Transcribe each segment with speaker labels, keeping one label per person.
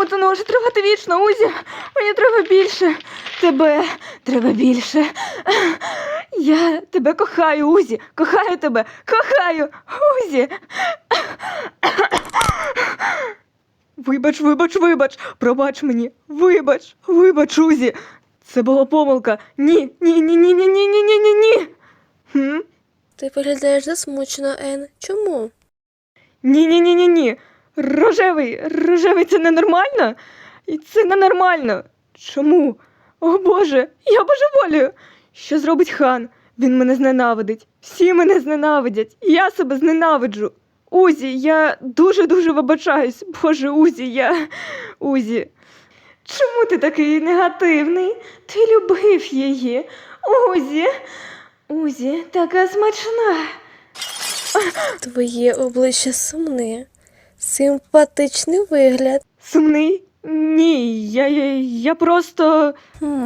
Speaker 1: Чому це не може тривати вічно, Узі? Мені треба більше. Тебе треба більше. Я тебе кохаю, Узі. Кохаю тебе. Кохаю, Узі. Вибач. Пробач мені. Вибач, Узі. Це була помилка. Ні.
Speaker 2: Ти виглядаєш засмучено, Ен. Чому?
Speaker 1: Ні. Рожевий, це ненормально? І це ненормально. Чому? О Боже, я божеволію. Що зробить хан? Він мене зненавидить. Всі мене зненавидять. Я себе зненавиджу. Узі, я дуже вибачаюсь. Боже, Узі. Чому ти такий негативний? Ти любив її. Узі, така смачна.
Speaker 2: Твоє обличчя сумне. Симпатичний вигляд.
Speaker 1: Сумний? Ні, я просто...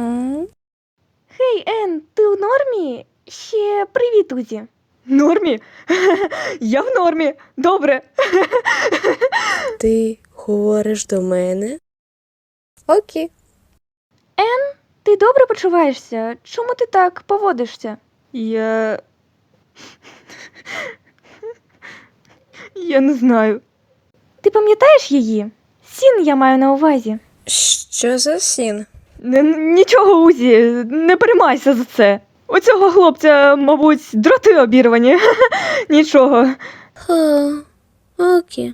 Speaker 1: Хей, Ен, ти у нормі? Ще привіт, Узі. Нормі? Я в нормі. Добре.
Speaker 2: Ти говориш до мене? Окей.
Speaker 1: Ти добре почуваєшся? Чому ти так поводишся? Я не знаю. Ти пам'ятаєш її? Сін я маю на увазі.
Speaker 2: Що за сін?
Speaker 1: Нічого, Узі, не переймайся за це. У цього хлопця, мабуть, дроти обірвані. Нічого.
Speaker 2: Окей.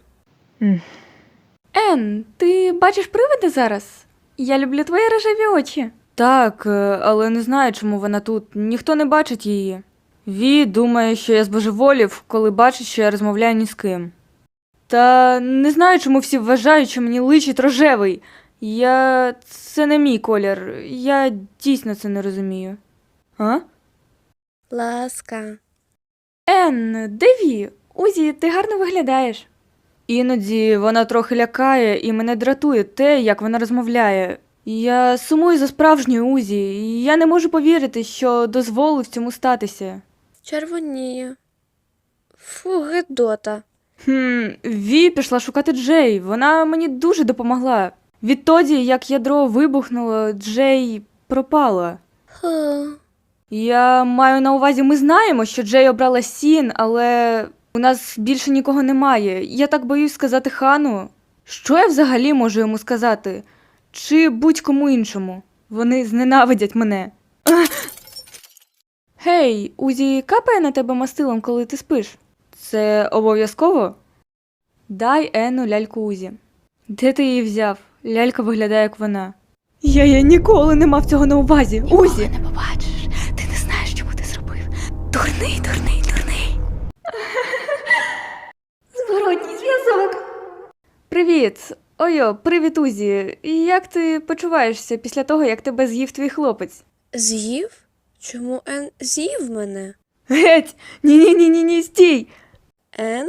Speaker 1: Ен, ти бачиш привида зараз? Я люблю твої рожеві очі. Так, але не знаю, чому вона тут. Ніхто не бачить її. Ві думає, що я збожеволів, коли бачить, що я розмовляю ні з ким. Та не знаю, чому всі вважають, що мені личить рожевий. Це не мій колір. Я дійсно це не розумію. А?
Speaker 2: Ласка.
Speaker 1: Ен, де Ві? Узі, ти гарно виглядаєш. Іноді вона трохи лякає і мене дратує те, як вона розмовляє. Я сумую за справжньою Узі, і я не можу повірити, що дозволив цьому статися.
Speaker 2: Червоніє. Фу, гидота.
Speaker 1: Ві пішла шукати Джей, вона мені дуже допомогла. Відтоді, як ядро вибухнуло, Джей пропала. Я маю на увазі, ми знаємо, що Джей обрала Сін, але у нас більше нікого немає. Я так боюсь сказати хану. Що я взагалі можу йому сказати? Чи будь-кому іншому? Вони зненавидять мене. Гей, Узі капає на тебе мастилом, коли ти спиш? Це обов'язково? Дай Ену ляльку Узі. Де ти її взяв? Лялька виглядає, як вона. Я ніколи не мав цього на увазі. Узі!
Speaker 3: Не побачиш. Ти не знаєш, чому ти зробив. Дурний. Зворотній зв'язок.
Speaker 1: Привіт! Привіт, Узі. Як ти почуваєшся після того, як тебе з'їв твій хлопець?
Speaker 2: З'їв? Чому Ен з'їв мене?
Speaker 1: Геть! Ні, стій!
Speaker 2: Ен?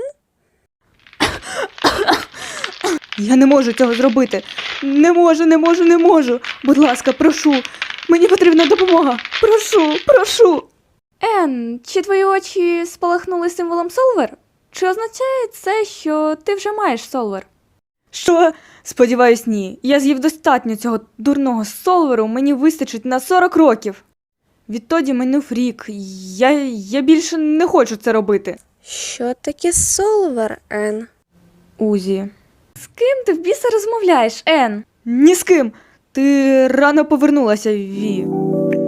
Speaker 1: Я не можу цього зробити. Не можу. Будь ласка, прошу. Мені потрібна допомога. Прошу. Ен, чи твої очі спалахнули символом Солвер? Чи означає це, що ти вже маєш Солвер? Що? Сподіваюсь, ні. Я з'їв достатньо цього дурного Солверу, мені вистачить на 40 років. Відтоді минув рік. Я більше не хочу це робити.
Speaker 2: Що таке Солвер, Ен?
Speaker 1: Узі. З ким ти в біса розмовляєш, Ен? Ні з ким. Ти рано повернулася, Ві.